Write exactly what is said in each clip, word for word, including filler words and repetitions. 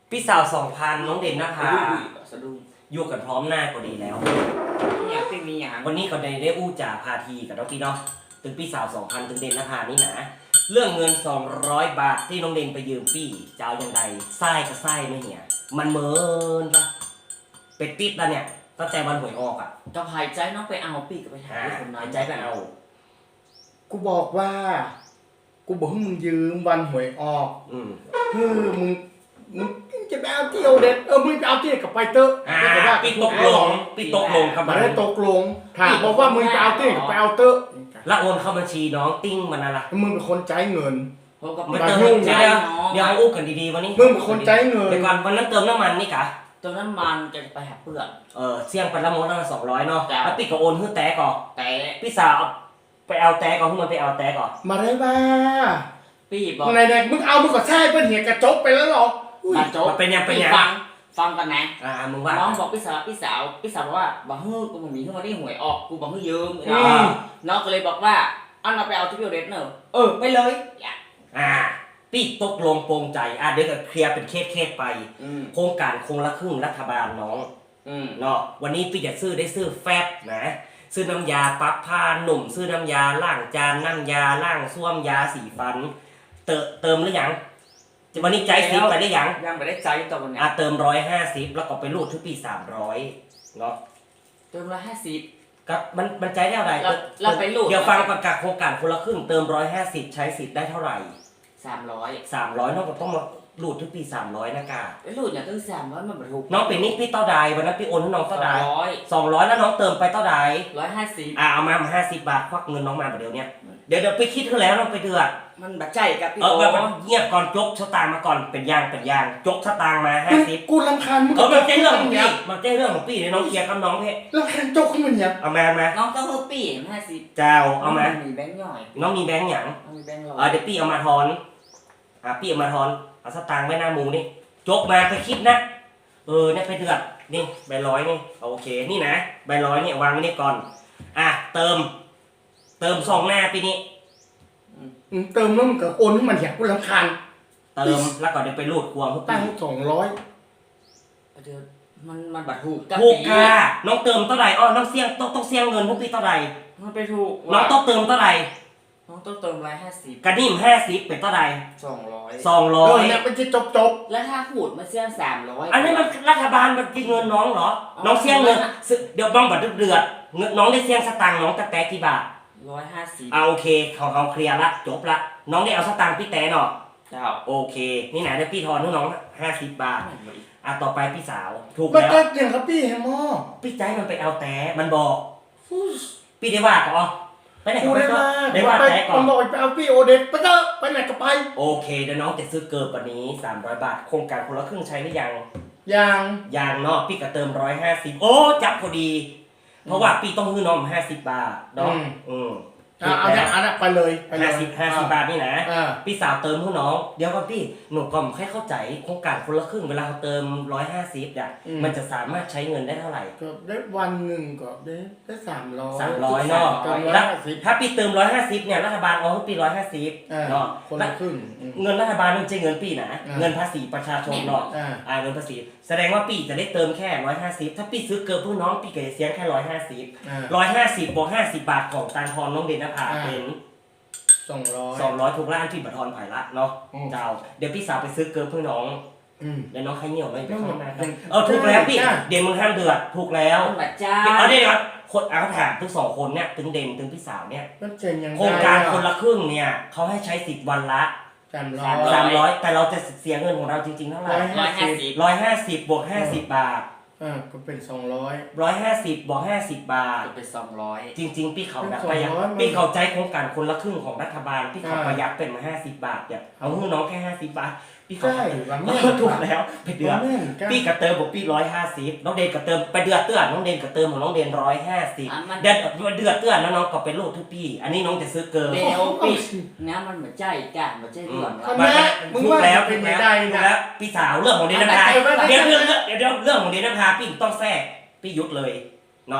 พี่สาวสองพันน้องเด่นนะคะสะดุ้งอยู่กันพร้อมหน้าก็ดีแล้วอยากเป็นมีอย่างวันนี้ก็ได้ได้อู้จ่าพาทีกับน้องพี่เนาะถึงพี่สาวสองพันถึงเด่นนะคะนี่นะเรื่องเงินสองร้อยบาทที่น้องเด่นไปยืมพี่จะเอาอย่างไรไส้ก็ไส้ไม่เหี้ยมันเมินปะเป็ดติดแล้วเนี่ยตั้งแต่วันหวยออกอ่ะต้องหายใจน้องไปเอาปีกไปหาคนหายใจไปเอากูบอกว่ากูบอกให้มึงยืมวันหวยออกอืมเฮ้ยมึงมึงจะไปเอาเที่ยวเด็ดเออมึงไปเอาเที่ยวกับไปเตอร์พี่ตกลงพี่ตกลงครับมาได้ตกลงถามบอกว่ามึงไปเอาเที่ยวกับไปเอาเตอร์แล้วโอนเข้าบัญชีน้องติ้งมันอะไรมึงเป็นคนใจเงินมันเติมเดี๋ยวเดี๋ยวอู้กันดีๆวันนี้มึงเป็นคนใจเงินเดี๋ยวก่อนวันนั้นเติมน้ำมันนี่กะเติมน้ำมันจะไปหาเพื่อนเออเสี่ยงไปละมดละสองร้อยเนาะแล้วพี่ก็โอนขึ้นแตะก่อนแตะพี่สาวไปเอาแตะก่อนขึ้นมาไปเอาแตะก่อนมาได้บ้าพี่บอกไหนไหนมึงเอามึงก็แช่เป็นเหี้ยกระจกไปแล้วหรอกกระจกเป็นยังเป็นยังฟังฟังกันนะอ่ามึงว่าน้องบอกพี่สาวพี่สาวพี่สาวบอกว่าบอกเฮ้ยกูบอกมีขึ้นมาได้หวยออกกูบอกให้ยืมน้องก็เลยบอกว่าเอาเราไปเอาที่พิโอเดสเนอะเออไปเลยอ่าพี่ตกลงโปร่งใจอ่ะเดี๋ยวก็เคลียร์เป็นเคสเคสไปโครงการโครงละครึ่งรัฐบาลน้องเนาะวันนี้พี่จะซื้อได้ซื้อแฟบนะซื้อน้ำยาปั๊บผ้าหนุ่มซื้อน้ำยาล้างจานน้ำยาล้างส้วมยาสีฟันเติมเติมหรือยังวันนี้ใจสิบไปได้ยังยังไม่ได้ใจตอนนี้อ่ะเติมร้อยห้าสิบแล้วก็ไปรูดทุกปีสามร้อยเนาะเติมร้อยห้าสิบกับมันมันใจได้เท่าไหร่เราไปรูดเดี๋ยวฟังประกาศโครงการคนละครึ่งเติมร้อยห้าสิบใช้สิทธิ์ได้เท่าไหร่สามร้อยสามร้อยน้องก็ต้องมารูดทุกปีสามร้อยนะกาไอ้รูดอย่างตั้งสามร้อยมันบรรทุกน้องเป็นนิกพี่เต้าใดวันนั้นพี่โอนให้น้องเต้าใดสองร้อยสองร้อยแล้วน้องเติมไปเต้าใดร้อยห้าสิบอ่าเอามาห้าสิบบาทควักเงินน้องมาแบบเดียวเนี้ยเดี๋ยวเดี๋ยวไปคิดเท่าแล้วน้องไปเดือดมันบัดใจกับพี่เออแบบเงียบก่อนจกสตางค์มาก่อนเป็นยางเป็นยางจกสตางค์มาห้าสิบกูรำคาญมึงเออมันเจ๊เรื่องของพี่มันเจ๊เรื่องของพี่เลยน้องเคลียร์กับน้องพี่รำคาญจกขึ้นมาเนี่ยเอามามาน้องต้องเฮอปี้ห้าสิบเจ้าเอามามีแบงค์ย่อยน้องมีแบงค์หยังมีแบงค์ร้อยเออเดี๋ยวพี่เอามาทอนอ่ะพี่เอามาทอนเอาสตางค์ไว้หน้ามูนี่จกมาไปคิดนะเออเนี่ยไปเดือดนี่ใบร้อยนี่โอเคนี่นะใบร้อยเนี่ยวางไว้นี่ก่อนอ่ะเติมเติมสองหน้าปีนี้เติมแล้วมันก็โอนให้มันเหี้ยกูรำคาญเติมแล้วก็เดี๋ยวไปรูดควงทุกปีตั้งสองร้อยเดี๋ยวมันมันบัตรถูกถูกค่ะน้องเติมเท่าไหร่อ๋อน้องเสี่ยงต้องต้องเสี่ยงเงินทุกปีเท่าไหร่มันไปถูกน้องต้องเติมเท่าไหร่น้องต้องเติมร้อยห้าสิบกระดิ่มห้าสิบเป็นเท่าไหร่สองร้อยสองร้อยเนี่ยเป็นที่จบจบแล้วถ้าขูดมาเสี่ยงสามร้อยอันนี้มันรัฐบาลมันกินเงินน้องเหรอน้องเสี่ยงเงินเดี๋ยวบ้องบัตรเดือดเงินน้องได้เสี่ยงสตางค์น้องแต่แต่กี่บาทร้อยห้าสิบเอาโอเคเขาเขาเคลียร์ละจบละน้องได้เอาสตางค์พี่แต่เนาะเจ้าโอเคนี่ไหนได้พี่ทอนให้น้องห้าสิบบาทอ่ะต่อไปพี่สาวถูกแล้วมันก็อย่างครับพี่แฮมอพี่ใจมันไปเอาแต่มันบอกพี่ได้ว่าก่อนไปไหนก็ไปก็ได้ว่าแต่ก่อนมันบอกไปเอาพี่โอเดตไปก็ไปไหนก็ไปโอเคเดี๋ยวน้องจะซื้อเกิร์กว่านี้สามร้อยบาทโครงการคนละครึ่งใช้หรือยังยังยังเนาะพี่ก็เติมร้อยห้าสิบโอ้จับพอดีเพราะว่าพี่ต้องให้น้องห้าสิบบาทเนาะอืมเอาเอาเอาไปเลยห้าสิบห้าสิบบาทนี่นะพี่สาวเติมให้น้องเดี๋ยวก่อนพี่หนูก็ไม่ค่อยเข้าใจโครงการคนละครึ่งเวลาเขาเติมร้อยห้าสิบเนี่ยมันจะสามารถใช้เงินได้เท่าไหร่ก็ได้วันหนึ่งก็ได้ได้สามร้อยสามร้อยเนาะถ้าพี่เติมร้อยห้าสิบเนี่ยรัฐบาลเอาให้ปีร้อยห้าสิบเนาะคนละครึ่งเงินรัฐบาลมันจะเงินปีนะเงินภาษีประชาชนเนาะอ่าเงินภาษีแสดงว่าปีจะได้เติมแค่ร้อยห้าสิบถ้าปีซื้อเกิร์ลเพื่อน้องปีก็จะเสียแค่ร้อยห้าสิบร้อยห้าสิบบวกห้าสิบบาทของตังทอนน้องเดนนภาเป็นสองร้อยสองร้อยถูกล้านที่บัตรทอนผ่ายละเนาะเจ้าเดี๋ยวพี่สาวไปซื้อเกิร์ลเพื่อน้องเดี๋ยวน้องใครเหนียวเลยไปเข้ามาเออถูกแล้วพี่เด่นมึงห้ามเดือดถูกแล้วเอาได้ครับคนเอาถามทั้งสองคนเนี่ยถึงเด่นถึงพี่สาวเนี่ยโครงการคนละครึ่งเนี่ยเขาให้ใช้สิทธิ์วันละสามร้อยสามร้อยแต่เราจะเสียเงินของเราจริงๆเท่าไหร่ร้อยห้าสิบร้อยห้าสิบบวกห้าสิบบาทอ่าก็เป็นสองร้อยร้อยห้าสิบบวกห้าสิบบาทก็เป็นสองร้อยจริงๆพี่เขาแบบประหยัดพี่เขาใจโครงการคนละครึ่งของรัฐบาลพี่เขาประหยัดเป็นมาห้าสิบบาทเนี่ยเอาให้น้องแค่ห้าสิบบาทพี่เขาถูกแล้วไปเดือดพี่กระเติมบอกพี่ร้อยห้าสิบน้องเดนกระเติมไปเดือดเตือนน้องเดนกระเติมของน้องเดนร้อยห้าสิบเดือดเดือดเตือนแล้วน้องก็เป็นลูกทุกพี่อันนี้น้องจะซื้อเกินเดี๋ยวพี่น้ำมันเหมือนใจจ้าเหมือนใจเรื่องแล้วถูกแล้วถูกแล้วถูกแล้วพี่สาวเรื่องของเดนนภาเดี๋ยวเรื่องเดี๋ยวเรื่องของเดนนภาพี่ต้องแทรกพี่ยุดเลยเนาะ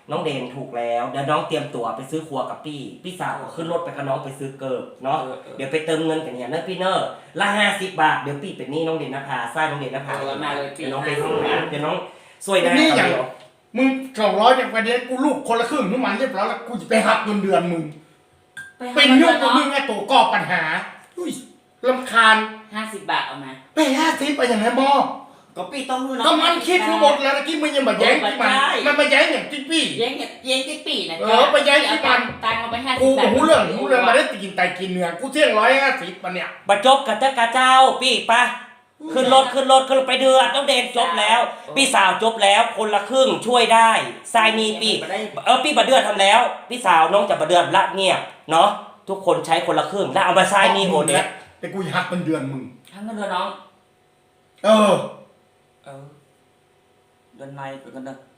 น้องเดนถูกแล้วเดี๋ยวน้องเตรียมตั๋วไปซื้อครัวกับพี่พี่สาวก็ขึ้นรถไปกับน้องไปซื้อเกิบเนาะเดี๋ยวไปเติมเงินกันเนี่ยเนอะพี่เนอะละห้าสิบบาทเดี๋ยวพี่เป็นหนี้น้องเดนนภาไส้น้องเดนนภาเออมาเลยพี่เดี๋ยวน้องไปทำงานเดี๋ยวน้องสวยได้นี่อย่างเดียวมึงสองร้อยอย่างประเด็นกูลูกคนละครึ่งทุกมันเรียบร้อยแล้วกูจะไปหักเงินเดือนมึงเป็นยุ่งกับมึงไอ้ตัวก่อปัญหาอุ้ยรำคาญห้าสิบบาทเอามาไปห้าสิบไปอย่างไรบอก็พี่ต้องรู้เนาะก็มันคิดรู้หมดแล้วตะกี้มึงยังมาแย้งที่มันมันมาแย้งอย่างที่พี่เย้งเนี่ยเย้งที่ปีนะเออไปย้ายที่บ้านตังค์เอาไปห้าสิกูบบาทหูเรื่องหูเรื่องมาได้กินไตกินเนื้อกูเที่ยงร้อยห้าสิบมันเนี่ยบัจจบกับเจ้ากาเจ้าพี่ปะขึ้นรถขึ้นรถขึ้นรถไปเดือดน้องเดนจบแล้ว พี่สาวจบแล้วคนละครึ่งช่วยได้ทรายนีพี่เออพี่บัดเดือดทำแล้ว พี่สาวน้องจะบัดเดือดละเงียบเนาะทุกคนใช้คนละครึ่งแล้วเอามาทรายนีโอเดสแต่กูหักเงินเดือนมึงทั้งเงินเดือนน้องเออเออเดือนในเป็นกันเด้อ